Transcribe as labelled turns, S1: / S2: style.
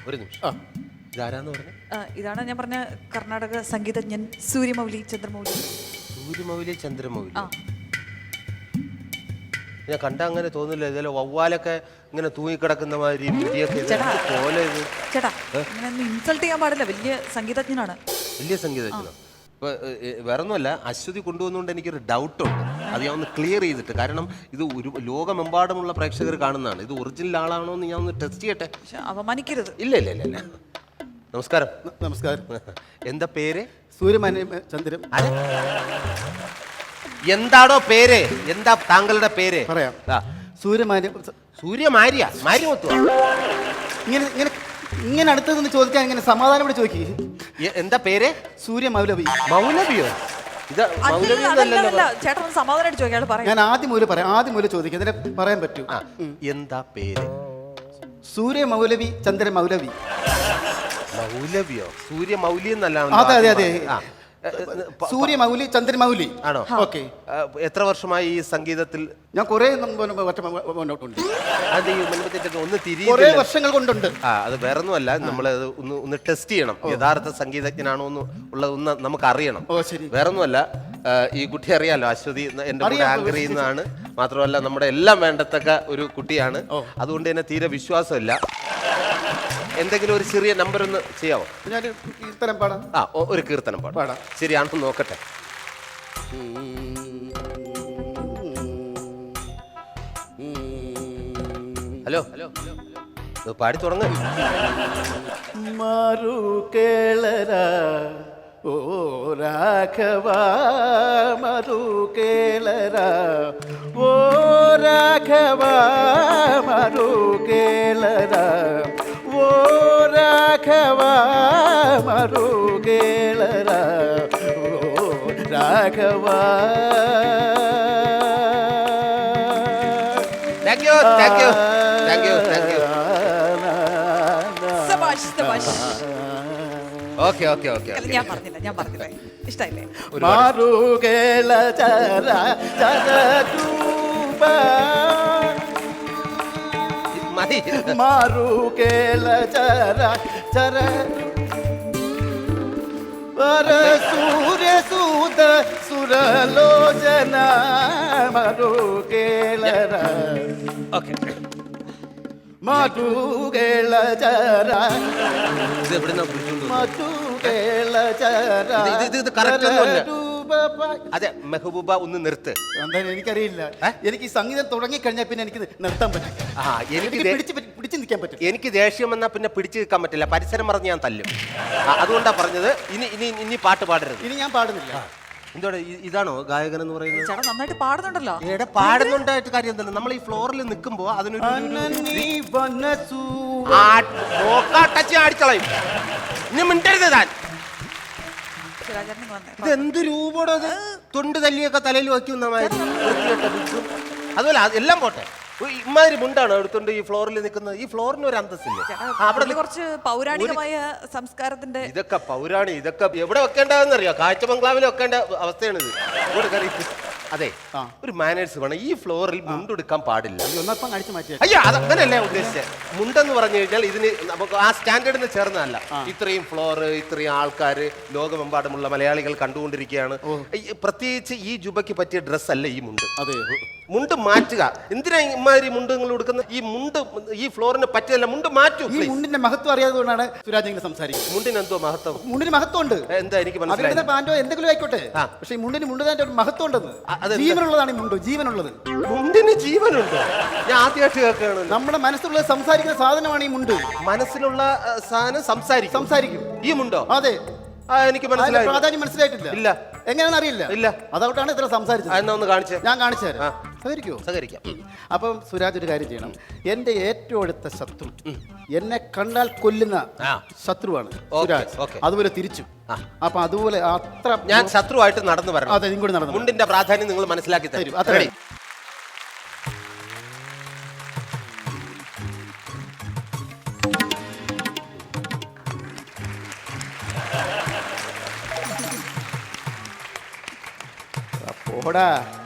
S1: ഒരു നിമിഷം. ഇതാരാന്ന് പറഞ്ഞ?
S2: ഇതാണ് ഞാൻ പറഞ്ഞ കർണാടക സംഗീതജ്ഞൻ സൂര്യമൗലി ചന്ദ്രമൗലി.
S1: സൂര്യമൗലി ചന്ദ്രമൗലി. ഞാൻ കണ്ട അങ്ങനെ തോന്നില്ല. ഇതിലെ വവ്വാലൊക്കെ ഇങ്ങനെ തൂങ്ങിക്കിടക്കുന്ന മാതിരി പോലെ.
S2: ചേട്ടാ ഇങ്ങനെ ഇൻസൾട്ട് ചെയ്യാൻ പാടില്ല. വലിയ സംഗീതജ്ഞനാണ്.
S1: വലിയ സംഗീതജ്ഞനോ? ഇപ്പൊ വേറൊന്നുമല്ല, അശ്വതി കൊണ്ടുവന്നുകൊണ്ട് എനിക്കൊരു ഡൗട്ടുണ്ട്. അത് ഞാൻ ഒന്ന് ക്ലിയർ ചെയ്തിട്ട്, കാരണം ഇത് ഒരു ലോകമെമ്പാടുമുള്ള പ്രേക്ഷകർ കാണുന്നതാണ്. ഇത് ഒറിജിനൽ ആളാണോ എന്ന് ഞാൻ ഒന്ന് ടെസ്റ്റ് ചെയ്യട്ടെ.
S2: അവമാനിക്കരുത്.
S1: ഇല്ല ഇല്ല ഇല്ല. നമസ്കാരം.
S3: നമസ്കാരം.
S1: എന്താ പേര്?
S3: സൂര്യചന്ദ്രൻ.
S1: എന്താണോ പേര്? എന്താ താങ്കളുടെ പേര്?
S3: പറയാം.
S1: സൂര്യമാര്യ മാര്യമൊത്തു.
S3: ഇങ്ങനെ ഇങ്ങനെ ഇങ്ങനെ അടുത്ത് നിന്ന് ചോദിക്കാൻ ഇങ്ങനെ സമാധാനം കൂടെ ചോദിക്കുക.
S1: എന്താ പേര്?
S3: സൂര്യമൗലവി.
S1: മൗലവിയോ? ഇത്
S2: ചേട്ടൻ സമാധാനമായിട്ട് ചോദിക്കാൻ പറയാം.
S3: ഞാൻ ആദ്യം മൂലം പറയാം. ആദ്യം മൂലം ചോദിക്കാം, അതിനെ പറയാൻ പറ്റൂ.
S1: എന്താ പേര്?
S3: സൂര്യമൗലവി ചന്ദ്രമൗലവി.
S1: മൗലവിയോ? സൂര്യമൗലി എന്നല്ല.
S3: അതെ അതെ അതെ. സൂര്യമൗലി ചന്ദ്രമൗലി
S1: ആണോ?
S3: ഓക്കെ.
S1: എത്ര വർഷമായി ഈ സംഗീതത്തിൽ?
S3: ഞാൻ കുറെ
S1: ഒന്ന്
S3: വർഷങ്ങൾ കൊണ്ടുണ്ട്.
S1: അത് വേറൊന്നുമല്ല, നമ്മൾ ഒന്ന് ടെസ്റ്റ് ചെയ്യണം യഥാർത്ഥ സംഗീതജ്ഞനാണോ ഉള്ളത് നമുക്ക് അറിയണം. വേറൊന്നുമല്ല, ഈ കുട്ടി അറിയാലോ, അശ്വതി എന്റെ കൂടെ ആങ്കർ ചെയ്യുന്നതാണ്. മാത്രമല്ല നമ്മുടെ എല്ലാം വേണ്ടത്തക്ക ഒരു കുട്ടിയാണ്. അതുകൊണ്ട് തന്നെ തീരെ വിശ്വാസമില്ല. എന്തെങ്കിലും ഒരു ചെറിയ നമ്പർ ഒന്ന് ചെയ്യാവോ?
S3: കീർത്തനം പാടാം.
S1: ഒരു കീർത്തനം പാടാം. ശരിയാണെന്ന് നോക്കട്ടെ. ഹലോ ഹലോ, പാടി തുടങ്ങ.
S3: മാറു കേളര ഓ രാഘവ, മറു കേളര ഓ രാഘവ, മറു കേളര ഓ രാഘവ, മറു കേളര ഓ Raghava.
S1: Thank you thank you thank you thank you. Okay okay okay.
S2: ഞാൻ പറഞ്ഞില്ല. ഇഷ്ടായില്ലേ?
S3: മാറു കേള ചര ചരൂപ,
S1: മതി.
S3: മാറു കേള ചര ചര പര സൂര്യ സൂത സുരലോചന, മറു കേളര മാറ്റു കേള ചര.
S1: ഇത് എവിടുന്നാ പിടിച്ചോണ്ട്?
S3: മാറ്റു കേള ചര.
S1: ഇത് കറക്റ്റ് ഒന്നുമല്ല. അതെ, മെഹബൂബ ഒന്ന് നിർത്ത്.
S3: എന്തായാലും എനിക്കറിയില്ല. എനിക്ക് ഈ സംഗീതം തുടങ്ങിക്കഴിഞ്ഞാൽ പിന്നെ എനിക്ക് നിർത്താൻ പറ്റും. പിടിച്ചു നിൽക്കാൻ പറ്റും.
S1: എനിക്ക് ദേഷ്യം വന്നാൽ പിന്നെ പിടിച്ചു നിൽക്കാൻ പറ്റില്ല. പരിസരം പറഞ്ഞ് ഞാൻ തല്ലും. അതുകൊണ്ടാ പറഞ്ഞത് ഇനി പാട്ട് പാടരുത്.
S3: ഇനി ഞാൻ പാടുന്നില്ല.
S1: എന്തോടെ, ഇതാണോ ഗായകൻ എന്ന് പറയുന്നത്?
S2: ചേട്ടാ നന്നായിട്ട് പാടുന്നുണ്ടല്ലോ.
S1: പാടുന്നുണ്ടായിട്ട് കാര്യം തന്നെ. നമ്മൾ ഈ ഫ്ലോറിൽ നിൽക്കുമ്പോ അതിനൊരു അടിച്ചളയും. ഇനി മിണ്ടരുത് താൻ. ഇത് എന്ത് രൂപോടോ? അത് തൊണ്ട് തല്ലിയൊക്കെ തലയിൽ വയ്ക്കുന്ന അതുപോലെ എല്ലാം പോട്ടെ. ഇമാതിരി മുണ്ടാണ് എടുത്തോണ്ട് ഈ ഫ്ലോറിൽ നിൽക്കുന്നത്. ഈ ഫ്ലോറിന് ഒരു അന്തസ്സില്ല.
S2: അവിടെ കുറച്ച് പൗരാണികമായ സംസ്കാരത്തിന്റെ
S1: ഇതൊക്കെ ഇതൊക്കെ എവിടെ വെക്കേണ്ടതെന്ന് അറിയാം. കാഴ്ച ബംഗ്ലാവിൽ വെക്കേണ്ട അവസ്ഥയാണിത്. അതെ, ഒരു മാനേഴ്സ് വേണം. ഈ ഫ്ലോറിൽ മുണ്ടെടുക്കാൻ പാടില്ല. അയ്യോ, അതങ്ങനെയല്ലേ ഉദ്ദേശിച്ചത്. മുണ്ടെന്ന് പറഞ്ഞു കഴിഞ്ഞാൽ ഇതിന് നമുക്ക് ആ സ്റ്റാൻഡേർഡിന് ചേർന്നതല്ല. ഇത്രയും ഫ്ലോർ, ഇത്രയും ആൾക്കാർ, ലോകമെമ്പാടുമുള്ള മലയാളികൾ കണ്ടുകൊണ്ടിരിക്കുകയാണ്. പ്രത്യേകിച്ച് ഈ ജുബയ്ക്ക് പറ്റിയ ഡ്രസ് അല്ല ഈ മുണ്ട്.
S3: അതെ,
S1: മുണ്ട് മാറ്റുക. എന്തിനാ ഇമാതിരി മുണ്ട് നിങ്ങൾ കൊടുക്കുന്നത്? ഈ മുണ്ട് ഈ ഫ്ലോറിന് പറ്റിയല്ല. മുണ്ട് മാറ്റൂ.
S3: ഈ മുണ്ടിന്റെ മഹത്വം അറിയാത്തതുകൊണ്ടാണ് സുരാജ് ഇങ്ങനെ സംസാരിക്കുന്നത്.
S1: മുണ്ടിന് എന്തോ മഹത്വം?
S3: മുണ്ടിന് മഹത്വം ഉണ്ട്.
S1: എന്താ എനിക്ക് മനസ്സിലായി.
S3: പാൻറ്റോ എന്തെങ്കിലും ആയിക്കോട്ടെ, പക്ഷെ ഈ മുണ്ടിന് മുണ്ടിന്റെ ഒരു മഹത്വം ഉണ്ടെന്ന്. ജീവനുള്ളതാണ് ഈ മുണ്ട്. ജീവനുള്ളത്.
S1: മുണ്ടിന് ജീവനുണ്ടോ? ഞാൻ ആദ്യമായിട്ട് കേൾക്കുകയാണ്.
S3: നമ്മുടെ മനസ്സിലുള്ളത് സംസാരിക്കുന്ന സാധനമാണ് ഈ മുണ്ട്.
S1: മനസ്സിലുള്ള സാധനം സംസാരിക്കും. ഈ മുണ്ടോ?
S3: അതെ.
S1: എനിക്ക് മനസ്സിലായി.
S3: പ്രാധാന്യം മനസ്സിലായിട്ടില്ല.
S1: ഇല്ല.
S3: എങ്ങനെയാണെന്ന് അറിയില്ല.
S1: ഇല്ല.
S3: അതുകൊണ്ടാണ് ഇത്ര സംസാരിച്ചത്.
S1: എന്നാ ഒന്ന് കാണിച്ചേ.
S3: ഞാൻ കാണിച്ചു തരാം. സഹകരിക്കാം. അപ്പം സുരാജ് ഒരു കാര്യം ചെയ്യണം. എന്റെ ഏറ്റവും അടുത്ത ശത്രു, എന്നെ കണ്ടാൽ കൊല്ലുന്ന ശത്രുവാണ് സുരാജ്. അതുപോലെ തിരിച്ചു. അപ്പൊ അതുപോലെ അത്ര
S1: ഞാൻ ശത്രുവായിട്ട് നടന്നു വരണം.
S3: അതെ, ഇങ്ങോട്ട് നടന്നു.
S1: മുണ്ടിന്റെ പ്രാധാന്യം നിങ്ങൾ മനസ്സിലാക്കി തരും.
S3: അത്ര പോടാ.